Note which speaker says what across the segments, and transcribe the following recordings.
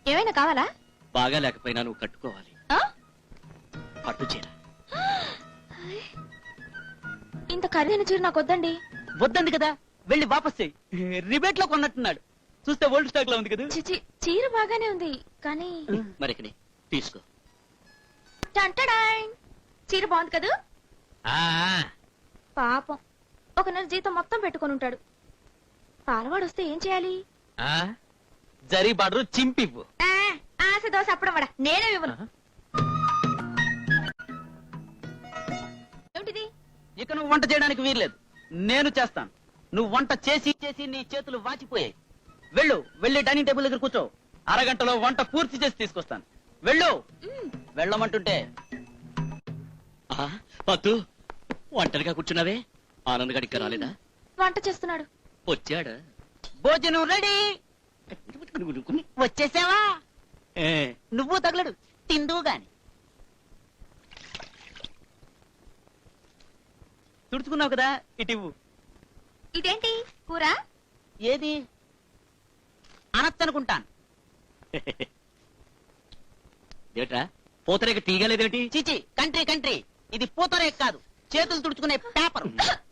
Speaker 1: ఏమైనా కావాలా?
Speaker 2: బాగా లేకపోయినా నువ్వు కట్టుకోవాలి. పట్టు చీర.
Speaker 1: ఇంత ఖరీదైన చీర నాకు వద్దండి.
Speaker 3: వద్దంది కదా, వెళ్ళి వాపస్ చెయ్యి. రిబేట్ లో కొన్నట్టున్నాడు. చూస్తే ఓల్డ్ స్టాక్ లో ఉంది కదా.
Speaker 1: చిచి, చీర బాగానే ఉంది కానీ
Speaker 2: మరికని తీసుకో.
Speaker 1: టంటడాయ్, చీర బాగుంది కదా. పాపం ఒక నెల జీతం మొత్తం పెట్టుకొని ఉంటాడు. పాలవాడు వస్తే ఏం చేయాలి?
Speaker 3: జరీ బార్డర్ చింపివ్వు.
Speaker 1: ఆశ దోశ అప్పడం వడ నేనే ఇవ్వను. ఏమిటిది?
Speaker 3: ఇక నువ్వు వంట చేయడానికి వీల్లేదు, నేను చేస్తాను. నువ్వు వంట చేసి చేసి నీ చేతులు వాచిపోయాయి. వెళ్ళు, వెళ్ళి డైనింగ్ టేబుల్ దగ్గర కూర్చో. అరగంటలో వంట పూర్తి చేసి తీసుకొస్తాను. వెళ్ళు. వెళ్ళమంటుంటే.
Speaker 2: పద్దు, ఒంటరిగా కూర్చున్నావే, ఆనంద్ గడికి రాలేదా?
Speaker 1: వంట చేస్తున్నాడు.
Speaker 2: వచ్చాడా?
Speaker 3: భోజనం రెడీ. వచ్చేసావా? నువ్వు తగలడు, తిందువు గాని. తుడుచుకున్నావు కదా, ఇటివ్వు.
Speaker 1: ఇదేంటి కూర?
Speaker 3: ఏది అనొచ్చనుకుంటాను.
Speaker 2: ఏట్రా పూతరేక తీయగలేదేంటి?
Speaker 3: చిచి, కంట్రీ కంట్రీ, ఇది పూతరేక కాదు, చేతులు తుడుచుకునే పేపర్.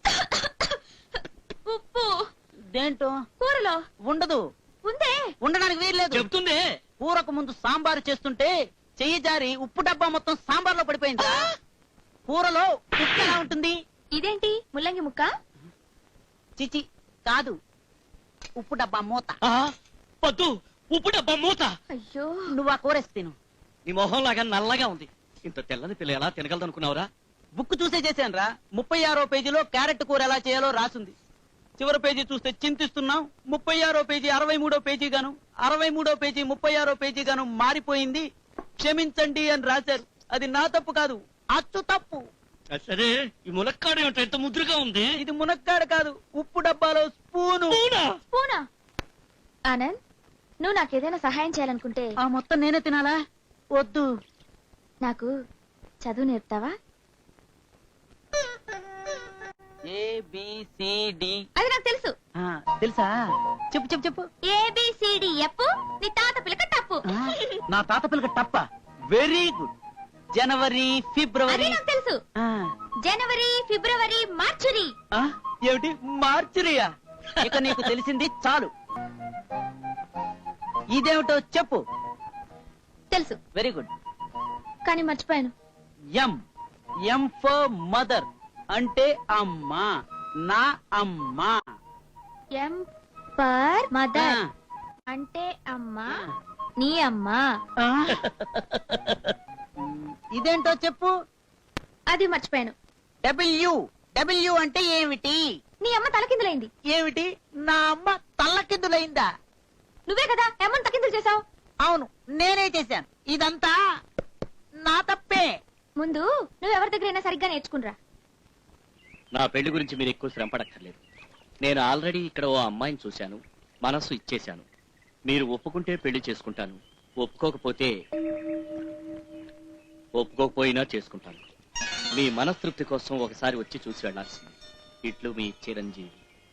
Speaker 1: ఉప్పు
Speaker 3: దేంటో
Speaker 1: కూరలో
Speaker 3: ఉండదు.
Speaker 1: ఉందే.
Speaker 3: ఉండడానికి వీల్లేదు.
Speaker 2: చెప్తుంది.
Speaker 3: కూరకు ముందు సాంబారు చేస్తుంటే చెయ్యి జారి ఉప్పు డబ్బా మొత్తం సాంబార్లో పడిపోయిందా? కూరలో ఉప్పు ఎలా ఉంటుంది?
Speaker 1: ఇదేంటి ముల్లంగి ముక్క?
Speaker 3: చిచి కాదు, ఉప్పు డబ్బా మూత.
Speaker 2: పద్దు, ఉప్పు డబ్బా మూత.
Speaker 1: అయ్యో,
Speaker 3: నువ్వు ఆ కూరేసి తిను.
Speaker 2: నీ మొహం లాగా నల్లగా ఉంది. ఇంత తెల్లని పిల్ల ఎలా తినగలదనుకున్నావురా?
Speaker 3: బుక్ చూసే చేశాను రా. 36వ పేజీలో క్యారెట్ కూర ఎలా చేయాలో రాసుంది. చివరి పేజీ చూస్తే చింతిస్తున్నాం. 36వ పేజీ 63వ పేజీ గాను, 63వ పేజీ 36వ పేజీ గాను మారిపోయింది. క్షమించండి అని రాశారు. అది నా తప్పు కాదు, అచ్చు తప్పు.
Speaker 2: సరే, ఈ ములక్కాడ ఏమిటో ఎంత ముద్రగా ఉంది?
Speaker 3: ఇది మునక్కాడ కాదు, ఉప్పు డబ్బాలో స్పూను.
Speaker 1: స్పూనా? ఆనంద్, నువ్వు నాకేదైనా సహాయం చేయాలనుకుంటే
Speaker 3: ఆ మొత్తం నేనే తినాలా? వద్దు.
Speaker 1: నాకు చదువు నేర్పుతావా?
Speaker 3: ABCD.
Speaker 1: అది నాకు తెలుసు.
Speaker 3: తెలుసా? చెప్పు చెప్పు చెప్పు.
Speaker 1: ABCD ఎప్పు, నీ తాత పిల్లక టప్పు.
Speaker 3: నా తాత పిల్లక టప్ప. Very good. జనవరి, ఫిబ్రవరి.
Speaker 1: అది నాకు తెలుసు. జనవరి, ఫిబ్రవరి, మార్చురి.
Speaker 3: ఏమిటి మార్చురియా? ఇక నీకు తెలిసింది చాలు. ఇదేమిటో చెప్పు.
Speaker 1: తెలుసు.
Speaker 3: Very good.
Speaker 1: కానీ మర్చిపోయాను.
Speaker 3: M ఫర్ మదర్, అంటే అమ్మ. నా అమ్మ.
Speaker 1: M ఫర్ మదర్, అంటే అమ్మ. నీ అమ్మ.
Speaker 3: ఇదేంటో చెప్పు.
Speaker 1: అది మర్చిపోయాను.
Speaker 3: W అంటే ఏమిటి?
Speaker 1: నీ అమ్మ తలకిందులైంది.
Speaker 3: ఏమిటి? నా అమ్మ తల్లకిందులైందా?
Speaker 1: నువ్వే కదా అమ్మని తలకిందులు చేసావు.
Speaker 3: అవును, నేనే చేశాను. ఇదంతా నా తప్పే.
Speaker 1: ముందు నువ్వెవరి దగ్గరైనా సరిగ్గా నేర్చుకునిరా.
Speaker 2: నా పెళ్లి గురించి మీరు ఎక్కువ శ్రమ పడక్కర్లేదు. నేను ఆల్రెడీ ఇక్కడ ఓ అమ్మాయిని చూశాను, మనస్సు ఇచ్చేశాను. మీరు ఒప్పుకుంటే పెళ్లి చేసుకుంటాను, ఒప్పుకోకపోయినా చేసుకుంటాను. మీ మనస్తృప్తి కోసం ఒకసారి వచ్చి చూసి వెళ్లాల్సింది. ఇట్లు మీ చిరంజీవి.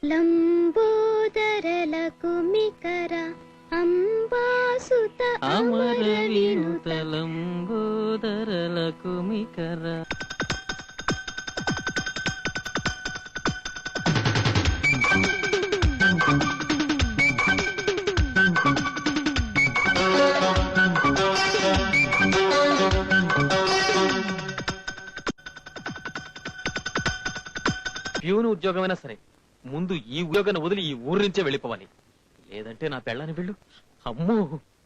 Speaker 1: లంబోదరలకు మికర అంబాసుత అమర వినుత
Speaker 3: లంబోదరలకు మికర.
Speaker 4: ప్యూన్ ఉద్యోగమైనా సరే ముందు ఈ ఉద్యోగాన్ని వదిలి ఈ ఊరు నుంచే వెళ్ళిపోవాలి. లేదంటే నా పెళ్ళాన్ని వెళ్ళు. అమ్మో,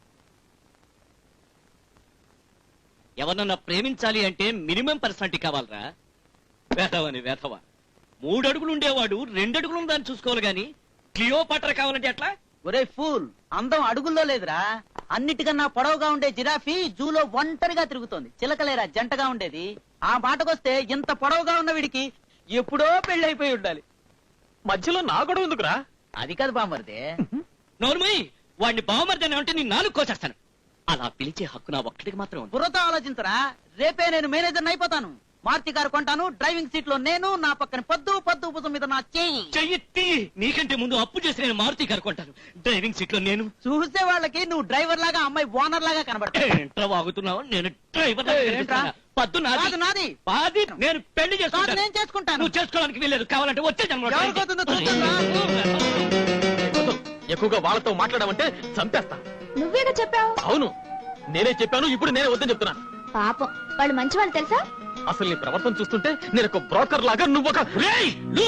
Speaker 2: ఎవరన్నా ప్రేమించాలి అంటే మినిమం పర్సనాలిటీ కావాలరా. వేధవని వేధవ. 3 అడుగులు ఉండేవాడు 2 అడుగులు దాన్ని చూసుకోవాలి గాని క్లియోపాట్రా కావాలంటే ఎట్లా?
Speaker 3: ఒరే ఫూల్, అందం అడుగుల్లో లేదురా. అన్నిటికన్నా పొడవుగా ఉండే జిరాఫీ జూలో ఒంటరిగా తిరుగుతోంది. చిలకలేరా జంటగా ఉండేది. ఆ మాటకొస్తే ఇంత పొడవుగా ఉన్న వీడికి ఎప్పుడో పెళ్ళైపోయి ఉండాలి.
Speaker 4: మధ్యలో నా గొడవ ఎందుకురా?
Speaker 3: అది కాదు బామర్దే.
Speaker 2: నోర్మయ్, వాడిని బావమర్దని అంటే నీ 4 కోసేస్తాను. అలా పిలిచే హక్కు నా ఒక్కడికి మాత్రం ఉంది.
Speaker 3: బుర్రతో ఆలోచించరా. రేపే నేను మేనేజర్ అయిపోతాను. మారుతి కారు కొంటాను, డ్రైవింగ్ సీట్ లో నేను, నా పక్కన పొద్దు పొద్దు భుజం మీద నా చెయ్యి.
Speaker 2: చెయ్యి నీకంటే ముందు అప్పు చేసి నేను మారుతి కారు కొంటాను, డ్రైవింగ్ సీట్ లో నేను.
Speaker 3: చూసే వాళ్ళకి నువ్వు డ్రైవర్ లాగా, అమ్మాయి ఓనర్ లాగా కనబడతావు.
Speaker 2: ఏంట్రా వాగుతున్నావు? నేను డ్రైవర్
Speaker 3: ఏంట్రా?
Speaker 2: పద్దు
Speaker 3: కాదు నాది.
Speaker 2: పాది నేను పెళ్లి
Speaker 3: కాదు
Speaker 2: చేసుకుంటాను.
Speaker 3: నేను చేసుకుంటాను.
Speaker 2: నువ్వు చేసుకోవడానికి వెళ్ళలేదు, కావాలంటే వచ్చే జన్మలో try
Speaker 3: ఎవరికి అవుతుందో
Speaker 2: చేయి.
Speaker 3: చూద్దాం రా.
Speaker 4: ఎక్కువగా వాళ్ళతో మాట్లాడమంటే చంపేస్తా.
Speaker 1: నువ్వేగా చెప్పావు.
Speaker 4: అవును, నేనే చెప్పాను, ఇప్పుడు నేనే వద్దని చెప్తున్నాను.
Speaker 1: పాపం వాళ్ళు మంచి వాళ్ళు తెలుసా.
Speaker 4: అసలు నీ ప్రవర్తన చూస్తుంటే నేను ఒక బ్రోకర్ లాగా, నువ్వు ఒక
Speaker 2: రేయ్, లూ!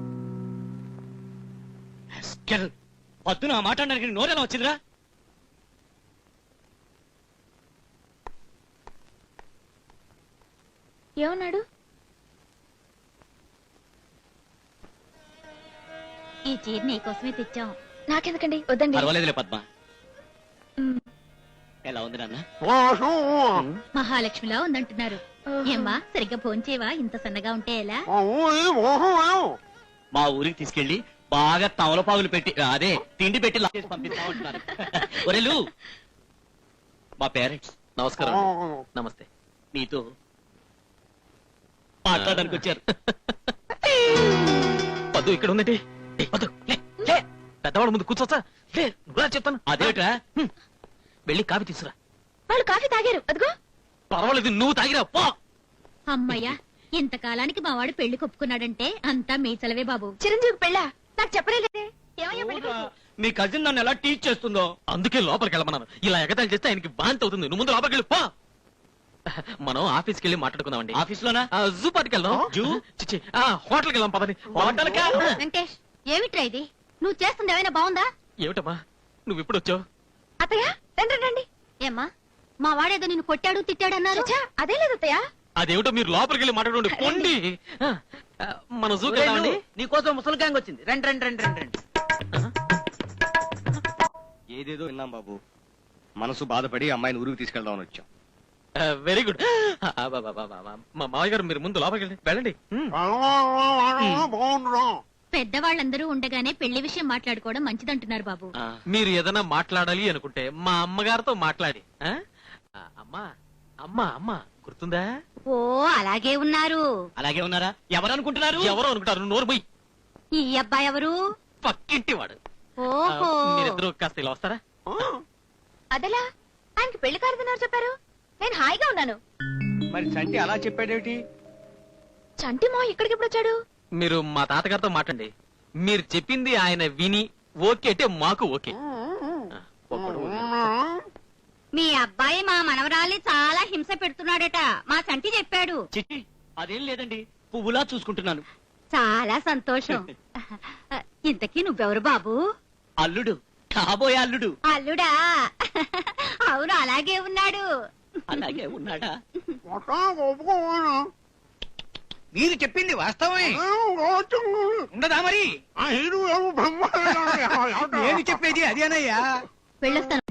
Speaker 2: Rascal! పద్దు నా మాట్లాడడానికి నోరేలా వచ్చిందిరా?
Speaker 1: ఏమన్నాడు?
Speaker 5: ఈ చీర నీకోసమే తెచ్చాం.
Speaker 1: నాకెందుకండి, వద్దండి.
Speaker 2: పర్వాలేదులే పద్మ.
Speaker 1: మ్,
Speaker 2: ఎలా ఉంది నాన్న?
Speaker 5: మహాలక్ష్మిలా ఉందంటున్నారు.
Speaker 1: ఓహో.
Speaker 5: ఏమ్మా సరిగ్గా భోంచేవా? ఇంత సన్నగా ఉంటే ఎలా?
Speaker 2: మా ఊరికి తీసుకెళ్లి బాగా తమలపాగులు పెట్టి అదే తిండి పెట్టి లాగేసి పంపిస్తామంటున్నారు. ఒరేలు, మా పేరెంట్స్
Speaker 4: నమస్కారం అండి. నమస్తే.
Speaker 2: నీతో మాట్లాడడానికి వచ్చారు.
Speaker 4: పద్దు ఇక్కడ ఉందండి. ఏయ్, పద్దు, లే, లే. పెద్దవాళ్ళ ముందు కూర్చోచ్చా? లే, నువ్వురా చెప్తాను.
Speaker 2: అదేట్రా?
Speaker 4: వెళ్ళి కాఫీ తీసురా.
Speaker 1: వాళ్ళు కాఫీ తాగారు, అదిగో.
Speaker 4: పర్వాలేదు, నువ్వు తాగిరా పో.
Speaker 5: అమ్మయ్యా, ఇంతకాలానికి మా వాడు పెళ్లి కొప్పుకున్నాడంటే అంతా మీ చలవే బాబు.
Speaker 1: చిరంజీవి పెళ్ళా? నాకు చెప్పలేదే. ఏమయ్యా పెళ్లి కొడుకు?
Speaker 2: మీ కజిన్ నన్ను ఎలా టీచ్ చేస్తుందో.
Speaker 4: అందుకే లోపలికి వెళ్ళమన్నాను. ఇలా ఎగతాళి చేస్తే ఆయనకి బాంతి అవుతుంది. నువ్వు ముందు లోపలికి వెళ్ళి పో. మనం ఆఫీస్కి వెళ్ళి మాట్లాడుకుందామండి.
Speaker 2: ఆఫీస్ లోనా?
Speaker 4: జూ పార్టీకి వెళ్దాం.
Speaker 2: జూ?
Speaker 4: చిచ్చి, హోటల్కి వెళ్దాం పదని.
Speaker 2: హోటల్కా?
Speaker 5: వెంకటేష్, ఏమిట్రా ఇది? నువ్వు చేస్తుంది ఏమైనా బాగుందా?
Speaker 4: ఏమిటమ్మా నువ్వు ఇప్పుడు వచ్చావు?
Speaker 1: అత్తయ్య, రండి రండి.
Speaker 5: ఏమ్మా, మా వాడేదో నిన్ను కొట్టాడు తిట్టాడు అన్నారు.
Speaker 1: చచ్చా, అదే లేదు అత్తయ్య.
Speaker 4: అదేమిటో మీరు లోపలికి వెళ్ళి మాట్లాడండి. పొండి. మన జూకి
Speaker 3: ఒరేయ్,
Speaker 4: వెళ్దామండి.
Speaker 3: నువ్వు, నీకోసం ముసలి గ్యాంగ్ వచ్చింది. రండి రండి రండి రండి రండి.
Speaker 6: ఏదేదో విన్నాం బాబు, మనసు బాధపడి అమ్మాయిని ఊరికి తీసుకెళ్దామని వచ్చాం.
Speaker 4: Very good. మా మావయ్య గారు మీరు ముందు లోపలికి వెళ్ళండి.
Speaker 5: పెద్దవాళ్ళందరూ ఉండగానే పెళ్లి విషయం మాట్లాడుకోవడం మంచిదంటున్నారు బాబు.
Speaker 4: మీరు ఏదైనా మాట్లాడాలి అనుకుంటే మా అమ్మగారితో మాట్లాడి. అమ్మా అమ్మా అమ్మా గుర్తుందా?
Speaker 5: ఓ అలాగే ఉన్నారు.
Speaker 2: అలాగే ఉన్నారా? ఎవరు అనుకుంటున్నారు?
Speaker 4: ఎవరో అనుకుంటారు. నోరు పోయి.
Speaker 5: ఈ అబ్బాయి ఎవరు?
Speaker 4: పక్కింటి వాడు.
Speaker 5: ఓహో,
Speaker 4: మీరిద్దరు కాస్త ఇలా వస్తారా?
Speaker 1: అదెలా? ఆయనకి పెళ్లి కారుతున్నారు చెప్పారు. నేను హాయిగా ఉన్నాను.
Speaker 6: మరి చంటి అలా చెప్పాడేమిటి?
Speaker 1: చంటి మా ఇక్కడికి ఎప్పుడు వచ్చాడు?
Speaker 4: మీరు మా తాతగారితో మాట్లాడండి. మీరు చెప్పింది ఆయన విని ఓకే అంటే మాకు ఓకే. ఒక్కడు ఓకే.
Speaker 5: మీ అబ్బాయి మా మనవరాలి చాలా హింస పెడుతున్నాడట. మా సంటి చెప్పాడు.
Speaker 2: చిట్టి, అదేం లేదండి, పువ్వులా చూసుకుంటున్నాను.
Speaker 5: చాలా సంతోషం. ఇంతకీ నువ్వెవరు బాబు?
Speaker 2: అల్లుడు, కాబోయే అల్లుడు.
Speaker 5: అల్లుడా? అవును, అలాగే ఉన్నాడు.
Speaker 2: అలాగే ఉన్నాడా?
Speaker 6: మీరు చెప్పింది వాస్తవమే ఉండదా మరి? నేను చెప్పేది అదేనయ్యా.
Speaker 5: వెళ్ళొస్తాను.